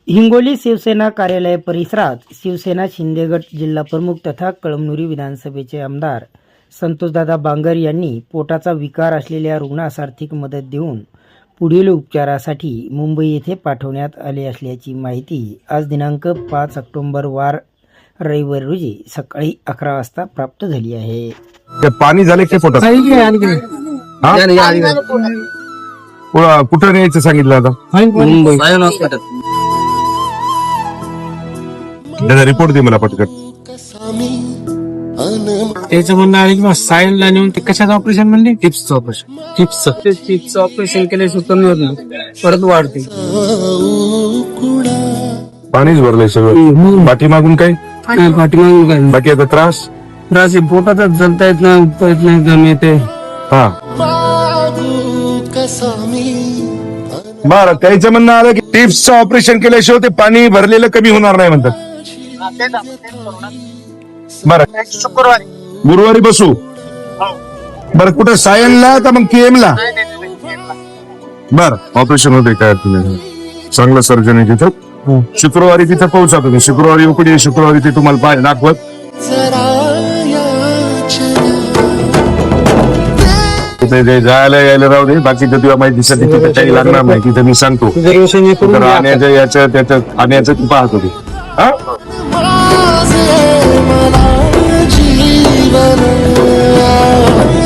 हिंगोली शिवसेना कार्यालय परिसरात शिवसेना शिंदे गट जिल्हा प्रमुख तथा कळमनुरी विधानसभेचे आमदार संतोषदादा बांगर यांनी पोटाचा विकार असलेल्या रुग्णास आर्थिक मदत देऊन पुढील उपचारासाठी मुंबई येथे पाठवण्यात आले असल्याची माहिती आज दिनांक 5 ऑक्टोबर वार रविवार रोजी सकाळी 11 वाजता प्राप्त झाली आहे. ते पाणी झाले की पोटात कुठं न्यायचं सांगितलं आता? मुंबई त्याचा रिपोर्ट दे मला पटकन. त्याचं म्हणणं आहे की सायनला नेऊन ते कशाचं ऑपरेशन म्हणले? टिप्सचं ऑपरेशन. टिप्सचं ऑपरेशन केल्याशिवाय कमी होत नाही, परत वाढते. पाणीच भरलंय सगळं. पाठीमागून काय पाठीमागून काय बाकी आता त्रास त्रास आहे, पोटातच जलता येत नाही, उठता येत नाही, दम येते. हा बरं. त्याचं म्हणणं आलं की टिप्सचं ऑपरेशन केल्याशिवाय ते पाणी भरलेलं कमी होणार नाही म्हणतात. बरं गुरुवारी बसू. बरं कुठं सायनला का मग केएमला? बरं ऑपरेशन होते काय तुम्ही चांगलं सर्जन आहे तिथं. शुक्रवारी तिथं पोहोचा तुम्ही. शुक्रवारी उकडी, शुक्रवारी ते तुम्हाला पाय दाखवत. तिथे जायला यायला राहू दे. बाकीचं तुला माहितीसाठी तिथे काही लागणार नाही. तिथे मी सांगतो आण्याचं याचं त्याचं आण्याचं तू पाहत होते. हा